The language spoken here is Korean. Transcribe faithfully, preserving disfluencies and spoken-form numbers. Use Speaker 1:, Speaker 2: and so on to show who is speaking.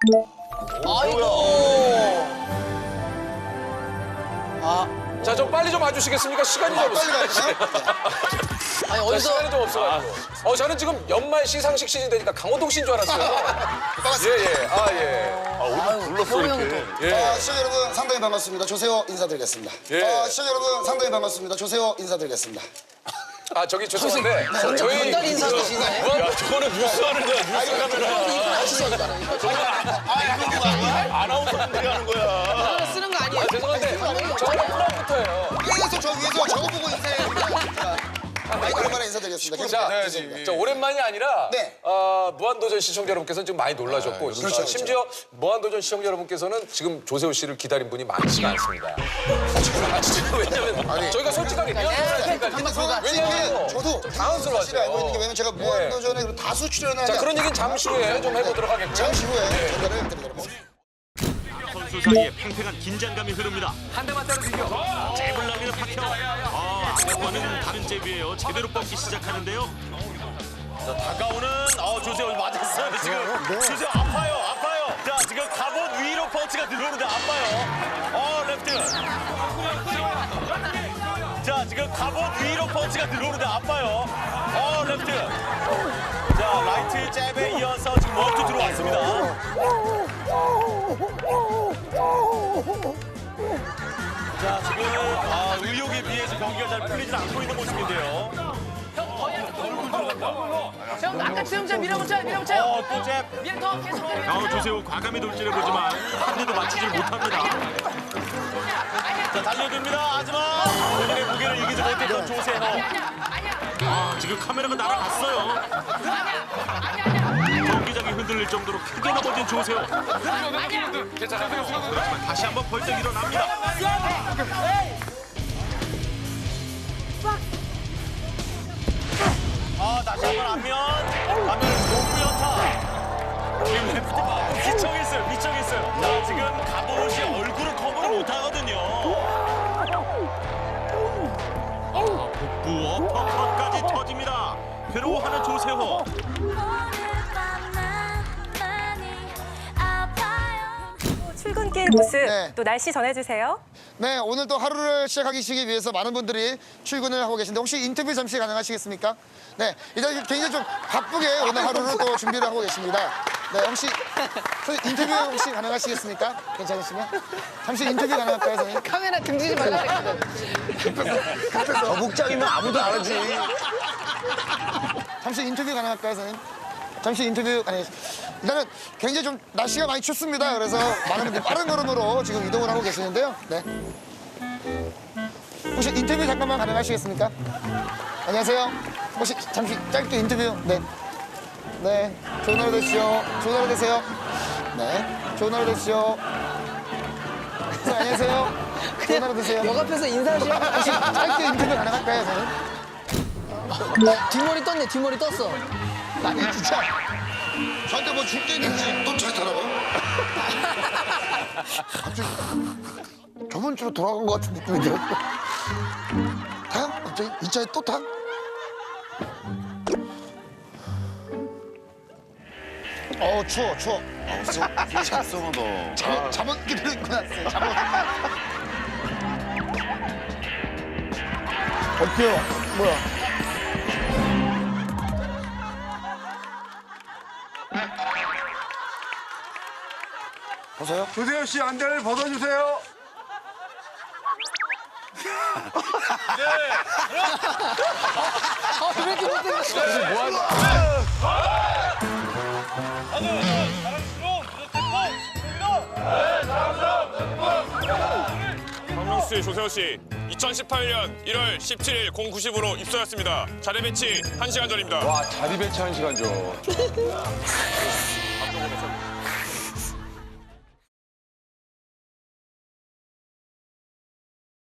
Speaker 1: 아이고.
Speaker 2: 아, 자, 좀 빨리 좀 와주시겠습니까? 시간이 좀 없어요.
Speaker 1: 아니
Speaker 2: 자,
Speaker 1: 어디서
Speaker 2: 시간이 좀 없어가지고. 어, 저는 지금 연말 시상식 시즌 되니까 강호동 씨인 줄 알았어요. 예, 예. 아, 예.
Speaker 3: 아, 오늘 불렀어, 이렇게.
Speaker 2: 예.
Speaker 4: 아, 시청자 여러분 상당히 반갑습니다. 조세호 인사드리겠습니다.
Speaker 2: 예.
Speaker 4: 아, 시청자 여러분 상당히 반갑습니다. 조세호 인사드리겠습니다.
Speaker 2: 아, 저기 죄송한데. 저희.
Speaker 1: 전달 인사도 시나요?
Speaker 2: 무한, 저거는 뉴스 하는 거야, 뉴스 카메라.
Speaker 3: 아나운서분들이 하는 거야.
Speaker 1: 쓰는 거 아니에요?
Speaker 2: 죄송한데. 저거는 프로부터예요.
Speaker 4: 위에서 저 위에서 저거 보고 인사해요. 마이크 오랜만에 인사드리겠습니다.
Speaker 2: 자,
Speaker 4: 계속
Speaker 2: 저 오랜만이 아니라
Speaker 4: 네.
Speaker 2: 어, 무한도전 시청자 여러분께서는 지금 많이 놀라셨고
Speaker 4: 그렇죠,
Speaker 2: 어, 심지어 무한도전 시청자 여러분께서는 지금 조세호 씨를 기다린 분이 많지가 않습니다. 아, 진짜 왜냐면 저희가 솔직하게 미안하니까 왜냐면
Speaker 4: 저도
Speaker 2: 좀 당황스러워하죠.
Speaker 4: 사실 알고 있는 게 왜냐면 제가 무한도전에 그 다수 출연을
Speaker 2: 자,
Speaker 4: 하지
Speaker 2: 그런 얘기는 잠시 후에 좀 해보도록 하겠고요.
Speaker 4: 잠시 후에 전달을 드리도록 하겠습니다.
Speaker 5: 선수 사이에 팽팽한 긴장감이 흐릅니다.
Speaker 2: 한 대만 때려 비겨.
Speaker 5: 잽을 날리는 박형. 아, 아까와는 다른 잽이에요. 제대로 뻗기 시작하는데요.
Speaker 3: 자, 다가오는, 어, 조세호 맞았어요, 지금. 조세호 아파요, 아파요. 자, 지금 갑옷 위로 펀치가 들어오는데 아파요. 어, 레프트. 자, 지금 갑옷 위로 펀치가 들어오는데 아파요. 어, 레프트. 자, 라이트 잽에 이어서 지금 원투 들어왔습니다. 자, 지금 아, 의욕에 비해서 경기가 잘 풀리지 않고 있는 모습인데요.
Speaker 6: 형 아까 수영자 밀어붙여요 밀어붙여요
Speaker 3: 어, 또 잽.
Speaker 6: 밀어 더 계속 더 밀어
Speaker 5: 어, 조세호 과감히 돌진해 보지만 한 대도 맞추질 못합니다.
Speaker 3: 자, 달려듭니다. 하지만 본인의 무게를 이기지 못했던 조세호.
Speaker 5: 아, 지금 카메라가 날아갔어요. 경기장이 흔들릴 정도로 크게 넘어진 조세호. 하지만 다시 한번 벌떡 일어납니다.
Speaker 3: 아, 다시 한번 안면. 안면 높고 연타. 지금 레프트 미쳐있어요. 미쳐있어요. 자, 지금 갑옷이 얼굴을 커버를 못하거든요.
Speaker 5: 복부 어퍼컷까지 터집니다. 괴로워하는 조세호.
Speaker 7: 출근길 모습
Speaker 4: 네.
Speaker 7: 또 날씨 전해주세요.
Speaker 4: 네, 오늘 또 하루를 시작하기 위해서 많은 분들이 출근을 하고 계신데 혹시 인터뷰 잠시 가능하시겠습니까? 네, 일단 굉장히 좀 바쁘게 오늘 하루를 또 준비를 하고 계십니다. 네, 혹시 선생님 인터뷰 혹시 가능하시겠습니까? 괜찮으시면? 잠시 인터뷰 가능할까요, 선생님?
Speaker 6: 카메라 등지지 말라 그랬거든
Speaker 4: 저 복장이면 아무도 안 하지. 잠시 인터뷰 가능할까요, 선생님? 잠시 인터뷰 아니 일단은 굉장히 좀 날씨가 많이 춥습니다. 그래서 많은 분들이 빠른 걸음으로 지금 이동을 하고 계시는데요. 네. 혹시 인터뷰 잠깐만 가능하시겠습니까? 안녕하세요. 혹시 잠시 짧게 인터뷰. 네. 네. 좋은 하루 되시죠. 좋은 하루 되세요. 네. 좋은 하루 되시죠. 네, 안녕하세요. 좋은 하루 되세요.
Speaker 1: 역 앞에서 인사하시고
Speaker 4: 혹시 짧게 인터뷰 가능할까요, 선생님?
Speaker 1: 뒷머리 떴네 뒷머리 떴어.
Speaker 4: 아니 진짜 저한테 뭐 줄 게 있는지 또 잘 타나 봐. 갑자기 저번 주로 돌아간 것 같은 느낌이 들어. 타? 갑자기 이 차에 또 타? 어 추워 추워.
Speaker 3: 찹송어 너.
Speaker 4: 잠옷 잠옷 끼를 입고 났어요. 잠옷. 어때요? 뭐야? 보세요.
Speaker 8: 조세호 씨 안대를 벗어주세요.
Speaker 1: 아, 왜 이렇게 못생겼어?
Speaker 9: 박명수 씨, 조세호 씨, 이천십팔 년 일월 십칠일 공 구십 분으로 입소했습니다. 자리 배치 한 시간 전입니다.
Speaker 2: 와, 자리 배치 한 시간 전.